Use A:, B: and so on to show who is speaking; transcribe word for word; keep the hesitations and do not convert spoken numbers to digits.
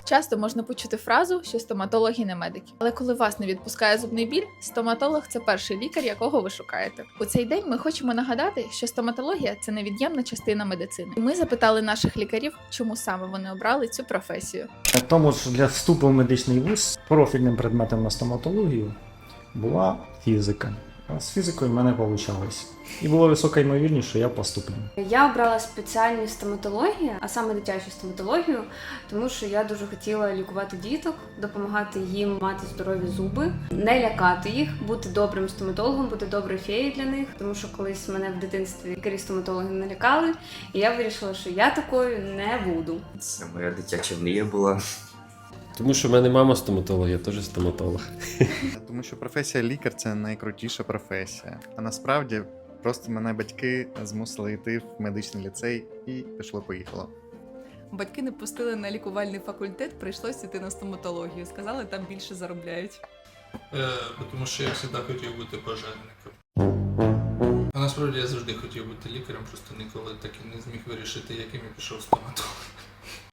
A: Часто можна почути фразу, що стоматологи не медики. Але коли вас не відпускає зубний біль, стоматолог – це перший лікар, якого ви шукаєте. У цей день ми хочемо нагадати, що стоматологія – це невід'ємна частина медицини. І ми запитали наших лікарів, чому саме вони обрали цю професію.
B: Тому що для вступу в медичний вуз профільним предметом на стоматологію була фізика. А з фізикою в мене вийшло. І було висока ймовірність, що я поступлю.
C: Я обрала спеціальність стоматології, а саме дитячу стоматологію, тому що я дуже хотіла лікувати діток, допомагати їм мати здорові зуби, не лякати їх, бути добрим стоматологом, бути доброю феєю для них, тому що колись мене в дитинстві лікарі-стоматологи налякали, і я вирішила, що я такою не буду.
D: Це моя дитяча мрія була.
E: Тому що в мене мама стоматолог, я теж стоматолог.
F: Тому що професія лікар – це найкрутіша професія. А насправді просто мене батьки змусили йти в медичний ліцей і пішло-поїхало.
G: Батьки не пустили на лікувальний факультет, прийшлося йти на стоматологію. Сказали, там більше заробляють.
H: Е, тому що я завжди хотів бути пожежником. А насправді я завжди хотів бути лікарем, просто ніколи так і не зміг вирішити, яким я пішов в стоматолог.